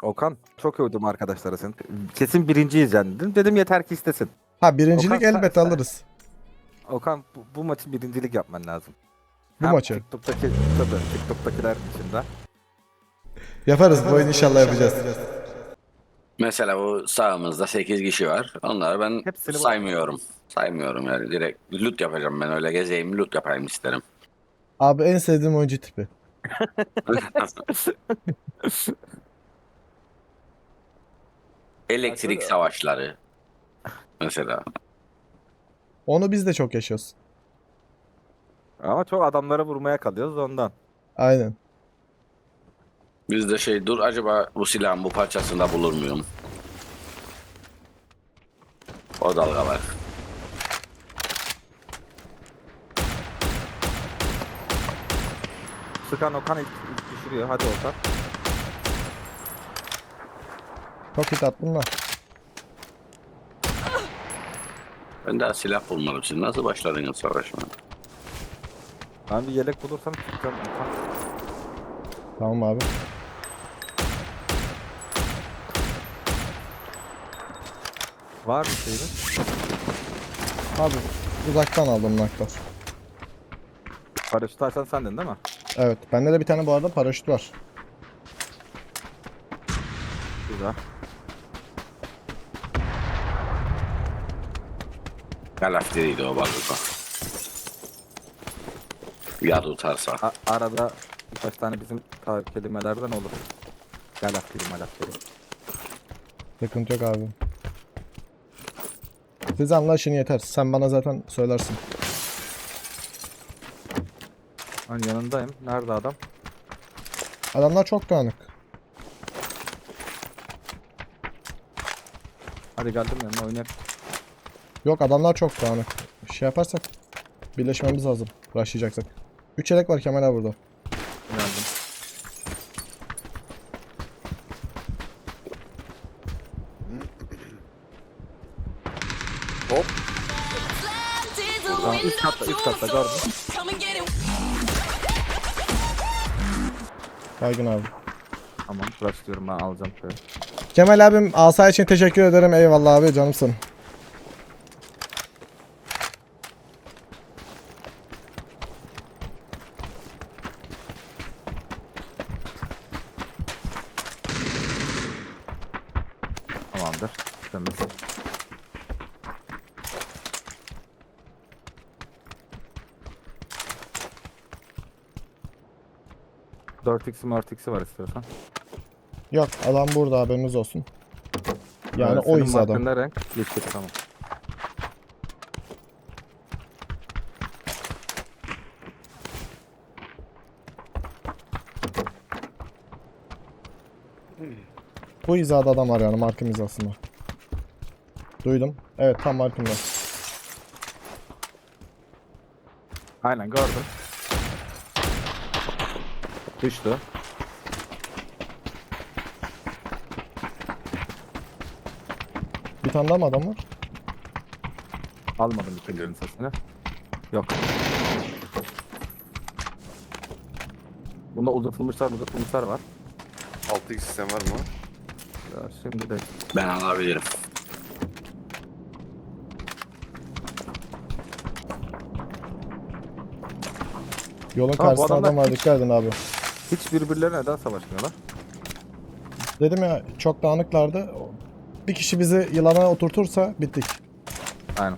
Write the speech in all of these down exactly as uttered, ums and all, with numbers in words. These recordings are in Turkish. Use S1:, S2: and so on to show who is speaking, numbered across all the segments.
S1: Okan çok övdüm arkadaşlara seni. Kesin birinciyiz yani dedim. Dedim yeter ki istesin.
S2: Ha birincilik
S1: Okan, sen-
S2: elbet
S1: sen-
S2: alırız.
S1: Okan bu, bu maçı birincilik yapman lazım.
S2: Bu
S1: Hem
S2: maçı.
S1: TikTok'taki, tabii TikTok'takiler içinde.
S2: Yaparız bu oyunu inşallah yapacağız.
S3: Mesela bu sağımızda sekiz kişi var. Onları ben
S1: Hepsini bu-
S3: saymıyorum. Saymıyorum yani. Direkt loot yapacağım ben, öyle gezeyim loot yapayım isterim.
S2: Abi en sevdiğim oyuncu tipi.
S3: Elektrik savaşları mesela.
S2: Onu biz de çok yaşıyoruz.
S1: Ama çok adamlara vurmaya kalıyoruz ondan.
S2: Aynen.
S3: Bizde şey, dur acaba bu silahın bu parçasında bulur muyum? O dalgalar.
S1: Sıkan Okan ilk, ilk düşürüyor. Hadi Okan.
S2: Çok hit attın da.
S3: Ben daha silah bulmadım. Siz nasıl başladınız savaşmaya?
S1: Ben bir yelek bulursam çıkacağım Okan.
S2: Tamam abi.
S1: Var mı şeyiniz?
S2: Abi uzaktan aldım naklar.
S1: Paraşüt açan sendin değil mi?
S2: Evet. Bende de bir tane bu arada paraşüt var.
S1: Güzel.
S3: Galafteriydi o bazuka. Ya tutarsa.
S1: A- arada birkaç tane bizim ta- kelimelerden olur. Galaftiri malaftiri.
S2: Sıkıntı yok abi. Siz anlaşın yeter. Sen bana zaten söylersin.
S1: Ben yanındayım. Nerede adam?
S2: Adamlar çok dağınık.
S1: Hadi geldim yanına oynayalım.
S2: Yok adamlar çok dağınık. Şey yaparsak birleşmemiz lazım. Rushlayacaksak. üç yelek var Kemal abi burada.
S1: Geldim. Hop. Tamam, üst katta, üst katta gördüm.
S2: Baygın abi.
S1: Tamam, flash diyorum ben alacağım şöyle.
S2: Kemal abim asa için teşekkür ederim. Eyvallah abi canımsın.
S1: Tamamdır. Temiz. dört x'i dört x'i var istiyorsan.
S2: Yok adam burada haberiniz olsun. Yani
S1: Evet,
S2: o
S1: senin
S2: iz adam.
S1: markın ne renk? Yeşil, tamam.
S2: Bu hizada adam var yani markım hizasında. Duydum. Evet tam markımda.
S1: Aynen gördüm. Düştü.
S2: Bir tane daha mı adam var?
S1: Almadım ikincinin sesini. Yok. Bunda uzatılmışlar uzatılmışlar var.
S4: altı x sistem var mı?
S1: Ya şimdi de
S3: Ben alabilirim.
S2: Yolun
S1: Tamam, bu
S2: karşısında
S1: adamlar
S2: adam var
S1: hiç-
S2: dikkat edin abi.
S1: hiç birbirlerine neden savaşmıyorlar?
S2: Dedim ya çok dağınıklardı. Bir kişi bizi yılana oturtursa bittik.
S1: Aynen.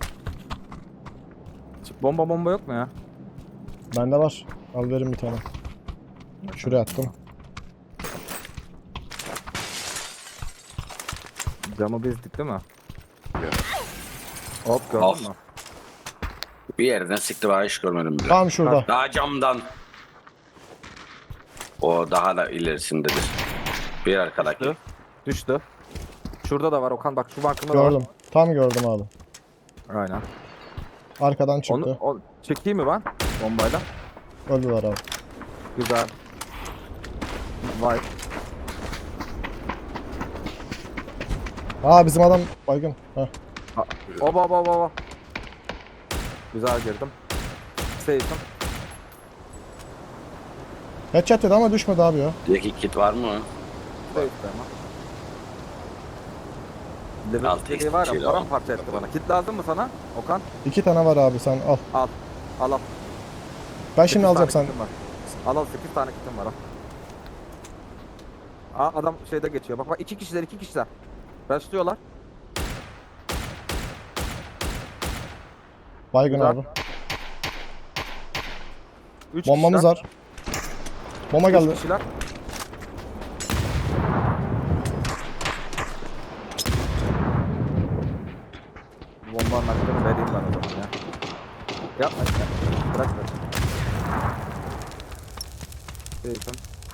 S1: Bomba bomba yok mu ya?
S2: Bende var. Al verin bir tane. Şuraya attım.
S1: Camı bezdik değil mi?
S4: Ya.
S1: Hop gördün
S3: Of.
S1: mü?
S3: Bir yerden sıktı, bana hiç görmedim bile.
S2: Tam şurada.
S3: Daha camdan. O daha da ilerisindedir. Bir arkadaki.
S1: Düştü. Düştü. Şurada da var Okan, bak şu markında da var.
S2: Gördüm. Tam gördüm abi.
S1: Aynen.
S2: Arkadan çıktı.
S1: Onu o, çekeyim mi ben bombayla?
S2: Öldüler abi.
S1: Güzel. Vay.
S2: Aa bizim adam baygın. Heh.
S1: Oba oba oba oba. Güzel girdim. Safe'im.
S2: Headshot dedi ama düşmedi abi ya.
S3: Peki kit var mı?
S1: Safe'de ama. Level
S3: Altı
S1: istediği var
S3: kişiyle
S1: ya
S3: var.
S1: paramparça etti bana. Kit lazım mı sana Okan?
S2: İki tane var abi sen al.
S1: Al. Al al.
S2: Ben şimdi
S1: Sekiz
S2: alacağım
S1: tane
S2: sen.
S1: kitim var. Al al sekiz tane kitim var al. Aa adam şeyde geçiyor. Bak bak iki kişiler iki kişiler. Başlıyorlar.
S2: Baygın
S1: Güzel.
S2: abi.
S1: Üç
S2: Bombamız
S1: kişiler.
S2: var. Bomba
S1: Üç
S2: geldi.
S1: kişiler. Bombanın hakkını vereyim ben o zaman ya. Yapma işte. Bırak bırak. Değilsin.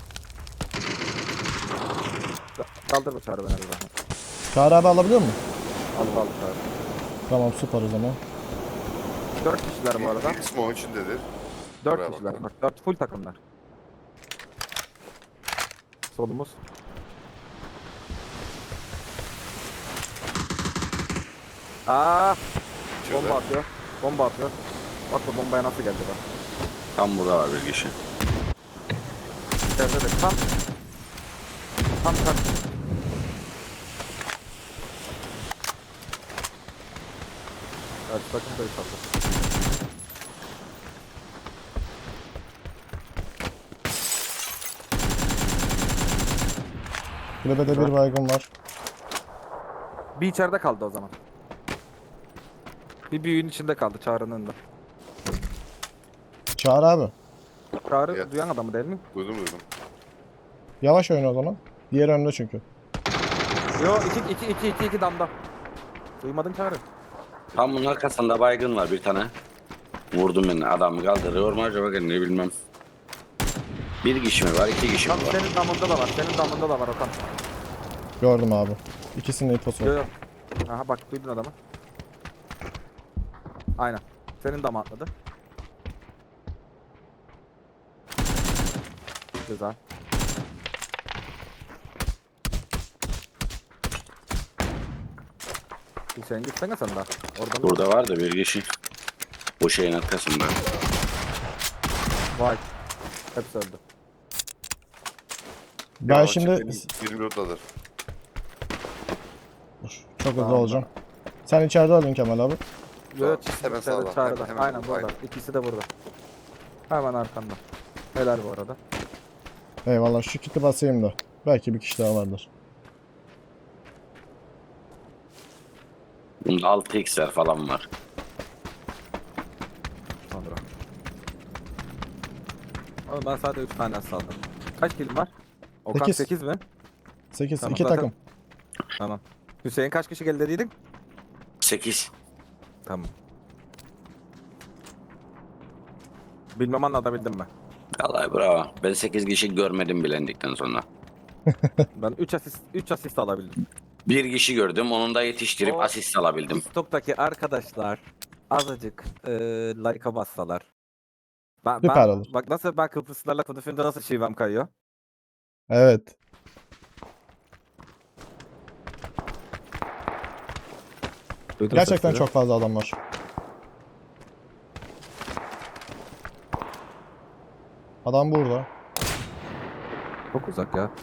S1: Kaldır bu çağrı beni bir zahmet.
S2: Çağrı abi alabiliyor mu?
S1: Al al çağrı.
S2: Tamam süper o zaman.
S1: Dört kişiler bu arada.
S4: Bir kısmı onun içindedir.
S1: Dört
S4: Buraya
S1: kişiler.
S4: bakalım.
S1: Bak dört full takımlar. Solumuz. Aa,
S4: Şurada.
S1: bomba atıyor. Bomba atıyor. Bak bu bombaya nasıl geldi bak.
S3: Tam burada var bir kişi.
S1: İçeride de tam. Tam tam. Evet bakın da satır.
S2: Kulübede bir baygın var.
S1: Bir içeride kaldı o zaman. Bir büyüğün içinde kaldı Çağrı'nın da.
S2: Çağrı abi.
S1: Çağrı
S4: Evet.
S1: duyan adamı değil mi?
S4: Duydum duydum.
S2: Yavaş oyna o zaman. Diğer önde çünkü.
S1: Yo iki iki iki iki iki damda. Duymadın Çağrı.
S3: Tam bunun arkasında baygın var bir tane. Vurdum beni adamı kaldırıyor mu acaba kendini bilmem. Bir kişi mi var iki kişi mi
S1: Tam
S3: var?
S1: senin damında da var. Senin damında da var Okan.
S2: Gördüm abi. İkisinin infosu
S1: Yo
S2: var.
S1: yo. Aha bak duydun adamı. Aynen. Senin dama atladı. Güzel. Hüseyin gitsene sen daha. Oradan
S3: Burada var da bir kişi. Bu şeyin arkasında.
S1: vay. Hepsi öldü.
S2: Ben
S4: Ya,
S2: şimdi
S4: benim yirmi minutadır.
S2: Dur, çok hızlı
S1: Tamam.
S2: olacağım. Sen içeride öldün Kemal abi.
S1: Yo yo
S4: Tamam,
S1: çift
S4: hemen
S1: içeride,
S4: sağda,
S1: çağrıda.
S4: hemen- hemen
S1: Aynen
S4: burada,
S1: burada.
S4: aynen.
S1: İkisi de burada. Hemen arkanda. Helal bu arada.
S2: Eyvallah şu kiti basayım da. Belki bir kişi daha vardır.
S3: Bunda altı x'ler falan var.
S1: Sonra. Ama ben sadece üç tane saldım. Kaç kilim var? Okan
S2: Sekiz.
S1: sekiz mi?
S2: sekiz.
S1: Tamam,
S2: iki
S1: zaten-
S2: takım.
S1: Tamam. Hüseyin kaç kişi geldi dediydin?
S3: sekiz.
S1: Tamam. Bilmem anlatabildim mi?
S3: Vallahi bravo. Ben sekiz kişi görmedim bilendikten sonra.
S1: Ben üç asist üç asist alabildim.
S3: Bir kişi gördüm onu da yetiştirip
S1: O-
S3: asist alabildim.
S1: TikTok'taki arkadaşlar azıcık e, like'a bassalar. Ben,
S2: Süper
S1: ben,
S2: olur.
S1: Bak nasıl ben Kıbrıslılarla konuşunca nasıl şivem kayıyor.
S2: Evet.
S1: Duydum
S2: Gerçekten
S1: sesleri.
S2: çok fazla adam var. Adam burada.
S1: Çok uzak ya.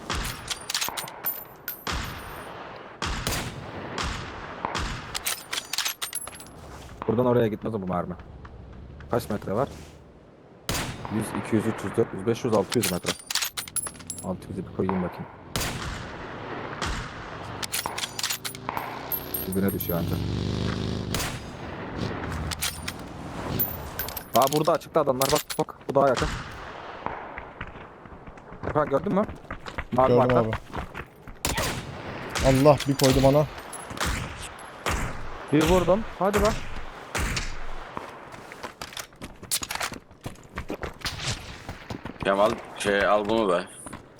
S1: Buradan oraya gitmez o bu mermi. Kaç metre var? yüz, iki yüz, üç yüz, dört yüz, beş yüz, altı yüz metre. altı yüzü bir koyayım bakayım. Dibine düşüyor ancak. Aa burada açıkta adamlar bak bak bu daha yakın. Bak gördün mü? Mavi
S2: Gördüm
S1: marka.
S2: abi. Allah bir koydu bana.
S1: Bir vurdum. Hadi bak.
S3: Kemal şey al bunu be.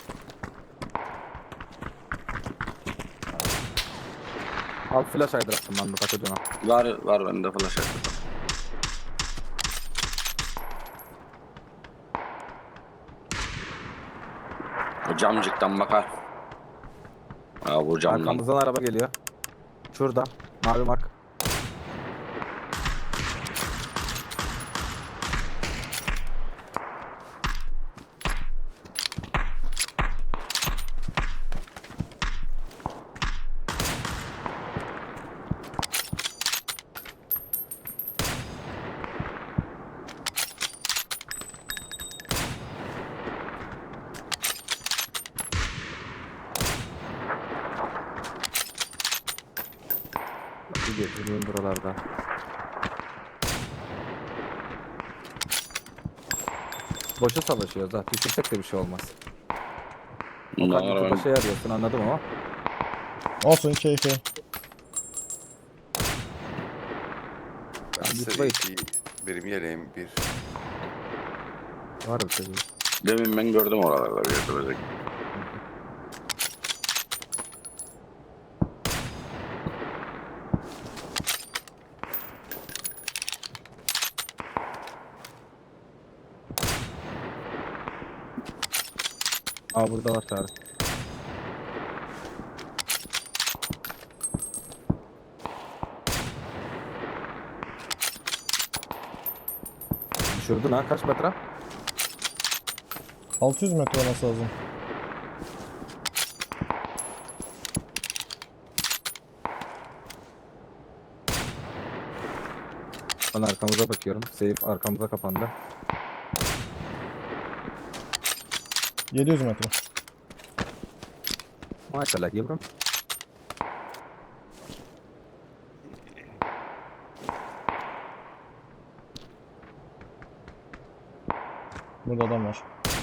S1: Al flash aydırattım ben de takacağına.
S3: Var var bende flash attım. O camcıktan bakar. Aa bu camdan.
S1: Arkamızdan araba geliyor. Şurada. Mavi mark. Bir getireyim buralarda. Boşa savaşıyoruz ha. Düşürsek de bir şey olmaz. O
S3: Bundan
S1: kadar
S3: sonra
S1: bir
S3: ben
S1: şey arıyorsun anladım ama.
S2: Olsun keyfi.
S4: Ben
S1: Ben
S4: size
S1: YouTube'a
S4: iki, benim yeleğim bir.
S1: Var bir şey.
S3: demin ben gördüm oralarda bir yerde böyle.
S1: Aa burada var Tarık. Düşürdün ha kaç metre?
S2: altı yüz metre olması lazım.
S1: Ben arkamıza bakıyorum. Safe arkamıza kapandı.
S2: yedi yüz metre.
S1: Maşallah yavrum.
S2: Burada adam var.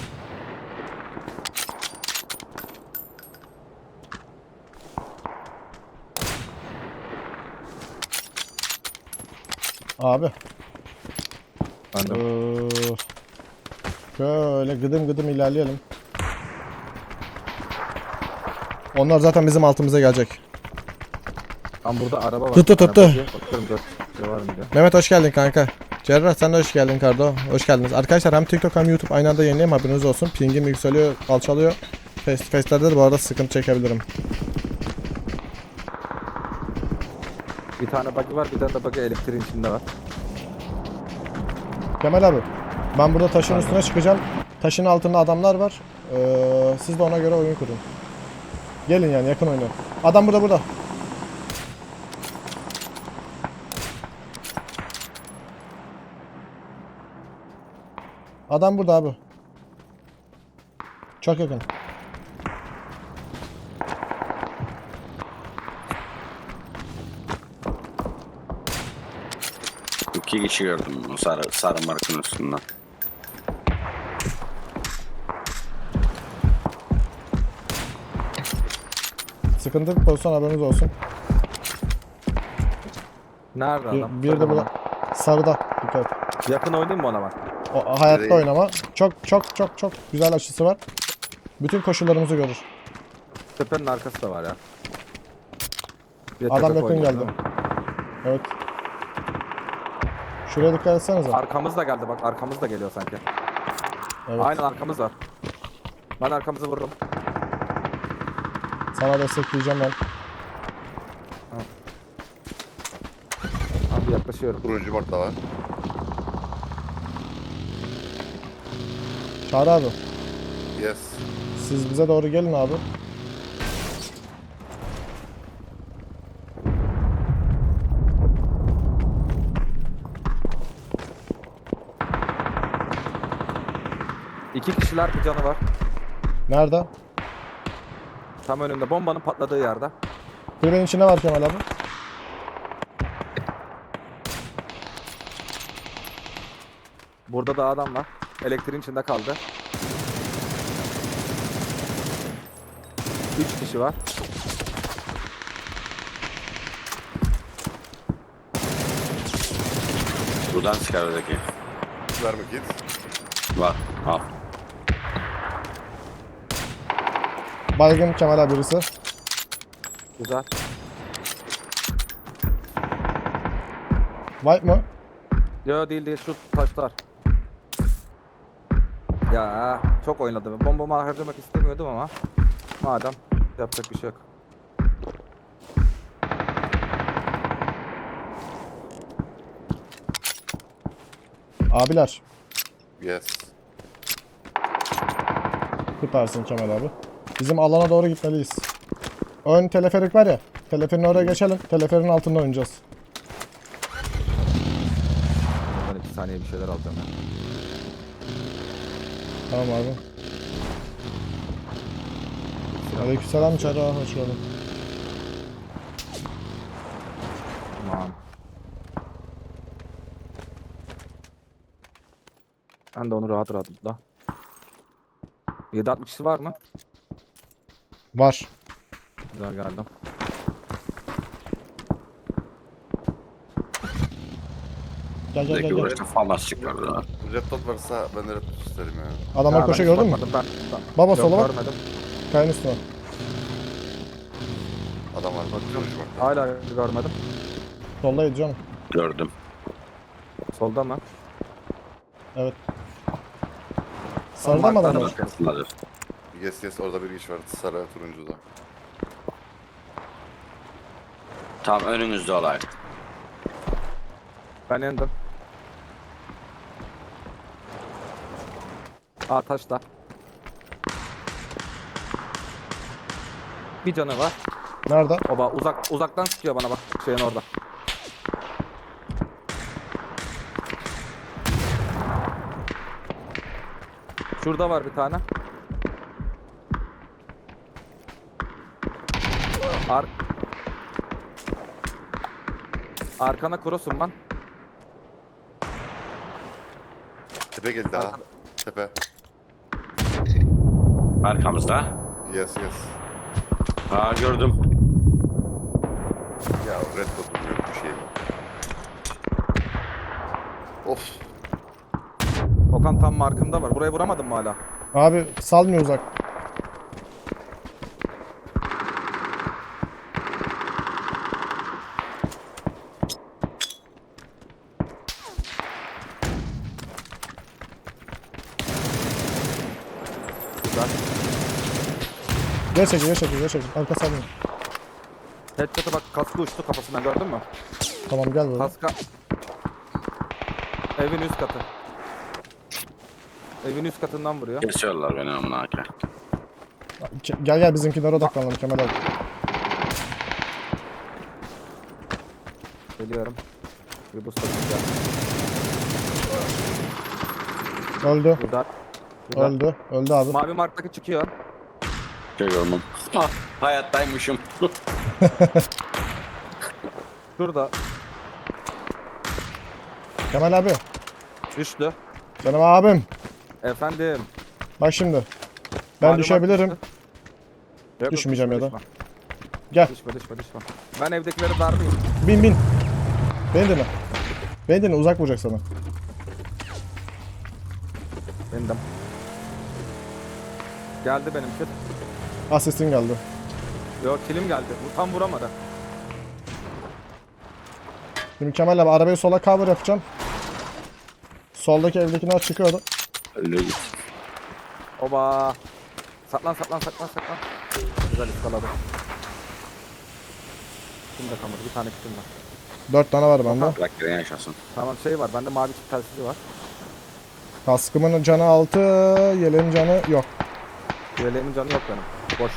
S2: Abi.
S1: Ben de.
S2: Ee, şöyle gıdım gıdım ilerleyelim. Onlar zaten bizim altımıza gelecek.
S1: Tam burada araba var.
S2: Tuttu, tuttu.
S1: Arabacıya bakıyorum dört şey var mı diye.
S2: Mehmet hoş geldin kanka. Cerrah sen de hoş geldin Kardo. Hoş geldiniz. Arkadaşlar hem TikTok hem YouTube aynı anda yayınlayayım, haberiniz olsun. Pingim yükseliyor, alçalıyor. Face to face'lerde de bu arada sıkıntı çekebilirim.
S1: Bir tane buggy var, bir tane de buggy elektriğin içinde var.
S2: Kemal abi, ben burada taşın üstüne çıkacağım. Taşın altında adamlar var. Ee, siz de ona göre oyun kurun. Gelin yani yakın oynayın. Adam burada burada. Adam burada abi. Çok yakın.
S3: İki kişi gördüm o sarı, sarı markın üstünden.
S2: Sıkıntı bir pozisyon, haberiniz olsun.
S1: Nerede
S2: Bir,
S1: adam?
S2: bir de
S1: Söyle
S2: burada.
S1: bana.
S2: Sarıda. Dikkat.
S1: Yakın oynayayım mı ona ben?
S2: O, hayatta
S4: Nereye?
S2: oynama. Çok çok çok çok güzel açısı var. Bütün koşullarımızı görür.
S1: Tepenin arkası da var ya. Bir de
S2: Adam
S1: tepe
S2: yakın
S1: koyuyor,
S2: geldi.
S1: değil mi?
S2: Evet. Şuraya dikkat etsenize.
S1: Arkamız da geldi bak, arkamız da geliyor sanki.
S2: Evet.
S1: Aynen arkamız var. Ben arkamızı vururum.
S2: Sana destekleyeceğim ben.
S1: Abi yaklaşıyorum.
S4: Turuncu mart da var.
S2: Çağrı abi.
S4: Yes.
S2: Siz bize doğru gelin abi.
S1: İki kişiler bir canı var.
S2: Nerede?
S1: Tam önünde bombanın patladığı yerde.
S2: Kulübenin içinde var Kemal abi.
S1: Burada da adam var. Elektriğin içinde kaldı. Üç kişi var.
S3: Buradan çıkar öteki.
S4: Verme git.
S3: Var. Al.
S2: Baygın Kemal abi birisi.
S1: Güzel.
S2: White mı?
S1: Yo değil değil, şu taşlar. Ya çok oynadım. Bombamı harcamak istemiyordum ama madem yapacak bir şey yok.
S2: Abiler.
S4: Yes.
S2: Süpersin Kemal abi. Bizim alana doğru gitmeliyiz. Ön teleferik var ya. Teleferin oraya geçelim. Teleferin altında oynayacağız.
S1: Ben iki saniye bir şeyler alacağım ya.
S2: Tamam abi. Aleykümselam Çağrı. Hoş geldin.
S1: Ben de onu rahat rahat da. yedi altmışı var mı?
S2: Var.
S1: Güzel geldim.
S2: Gel gel
S3: Buradaki
S2: gel. gel.
S3: uğraşta fantastik var da.
S4: Red dot varsa ben de red dot isterim ya.
S2: Adamlar
S1: Ya
S2: koşuyor
S1: ben hiç
S2: gördün mü?
S1: bakmadım, Ben,
S2: Baba
S1: Yok,
S2: sola bak.
S1: görmedim.
S2: Kayanın üstüne.
S4: Adam var. Bakıyorum. Bak.
S1: Hala görmedim.
S2: Soldaydı canım.
S3: Gördüm.
S1: Solda mı?
S2: Evet. Sarıda mı adamlar?
S3: Arkasındadır.
S4: Yes yes orada bir iş var. Sarı turuncuda.
S3: Tam önünüzde olay.
S1: Ben indim. Aa taşla. Bir canı var.
S2: Nerede?
S1: Oba uzak uzaktan sıkıyor bana bak şeyin orada. Şurada var bir tane. Ar Arkana cross'um ben.
S4: Tepe geldi daha. Tepe.
S3: Arkamızda.
S4: Yes yes.
S3: Aa gördüm.
S4: Ya red dot'um yok bir şey yok. Of.
S1: Okan tam markımda var. Buraya vuramadım mı hala?
S2: Abi salmıyor uzak.
S1: Güzel.
S2: Gel çekil, gel çekil, gel çekil. Arka salmıyor.
S1: Headshot'a bak kaskı uçtu kafasından gördün mü?
S2: Tamam gel böyle.
S1: Kaska. Evin üst katı. Evin üst katından vuruyor.
S3: Kesiyorlar beni amına ake.
S2: Ke- Gel gel bizimkilere odaklanalım Kemal abi.
S1: Geliyorum. Bir boost atacağım.
S2: Öldü.
S1: Burada. Burada.
S2: Öldü. Öldü abi.
S1: Mavi marktaki çıkıyor.
S3: Görüyorum. Ah, hayattaymışım.
S1: Şurada.
S2: Kemal abi.
S1: Düştü.
S2: Benim abim.
S1: Efendim.
S2: Bak şimdi. Ben
S1: Mavi
S2: düşebilirim.
S1: mark düştü. Yok, yok,
S2: Düşmeyeceğim
S1: düşme,
S2: ya da.
S1: düşme.
S2: Gel.
S1: Düşme düşme düşme. Ben evdekileri darlayayım.
S2: Bin bin. Beni dinle. Beni dinle uzak vuracak sana.
S1: Bindim. Geldi benimki.
S2: Asistin geldi.
S1: Yok kilim geldi. Bu tam vuramadı.
S2: Şimdi Kemal abi arabayı sola cover yapacağım. Soldaki evdekiler çıkıyordu.
S3: Öyle git.
S1: Oba. Saklan saklan saklan saklan. Güzel ıskaladı. Kim de kalmadı. Bir tane kitim var.
S2: Dört tane var bende.
S3: Bırak giren yaşasın.
S1: Tamam şey var. Bende mavi çift telsizi var.
S2: Kaskımın canı altı, yeleğin canı yok.
S1: Yeleğimin canı yok benim. Boş.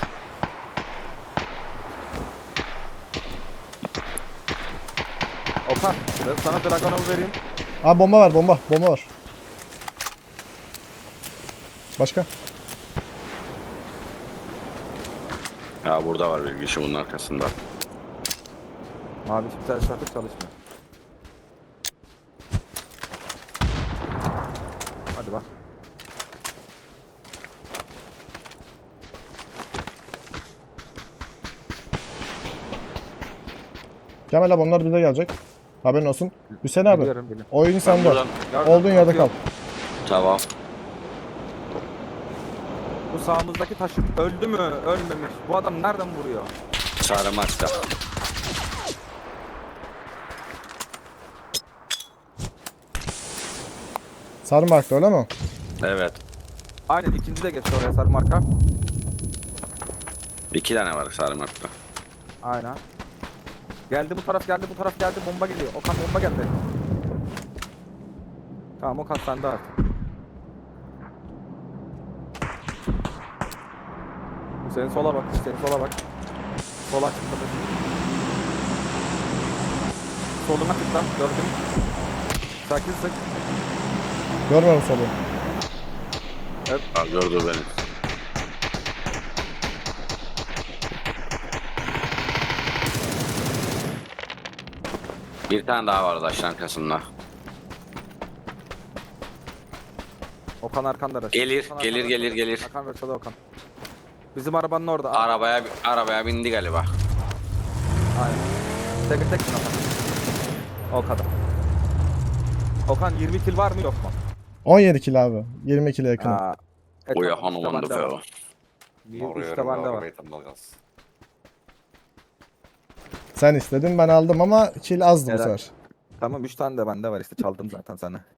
S1: Okan. Ben sana Dragonov'u vereyim.
S2: Abi bomba var, bomba, bomba var. Başka?
S3: Ya burada var bir kişi bunun arkasında.
S1: Mavi çift telsiz artık çalışmıyor. Hadi bak.
S2: Kemal abi onlar bize gelecek. Haberin olsun. Hüseyin abi,
S1: Biliyorum, biliyorum.
S2: oyun sende.
S3: buradan-
S1: Gördüm,
S2: Olduğun yerde kal.
S1: bakıyorum.
S3: Tamam.
S1: Bu sağımızdaki taş öldü mü? Ölmemiş. Bu adam nereden vuruyor?
S3: Sarı maçta.
S2: Sarı markta öyle mi?
S3: Evet.
S1: Aynen ikinci de geçti oraya sarı marka.
S3: İki tane var sarı maçta.
S1: Aynen. Geldi bu taraf geldi bu taraf geldi bomba geliyor. Okan bomba geldi. Tamam Okan sende artık. Senin sola bak, senin sola bak. Sola çıktı. Soluna tıkla, gördün. Sakin sık.
S2: Görmüyorum solu.
S3: Ha, gördü beni. Bir tane daha var taşın arkasında.
S1: Okan arkanda da.
S3: Gelir,
S1: Okan
S3: gelir,
S1: arkanda.
S3: gelir, gelir.
S1: Hakan Rıçalı Okan. Bizim arabanın orada.
S3: Arabaya arabaya bindi galiba.
S1: Aynen. Tek tek Okan. O kadar. Okan yirmi kill var mı yok mu?
S2: on yedi kill abi. yirmi kill'e yakın.
S1: Aa, e,
S3: O ya
S1: tamam, işte
S3: hanım
S1: bende var.
S3: da
S1: Bir
S4: Oraya
S1: işte
S4: yarım
S1: bende var.
S4: arabayı tam kalsın.
S2: Sen istedin ben aldım ama kill azdı bu
S1: Helal.
S2: sefer.
S1: Tamam üç tane de bende var işte çaldım zaten sana.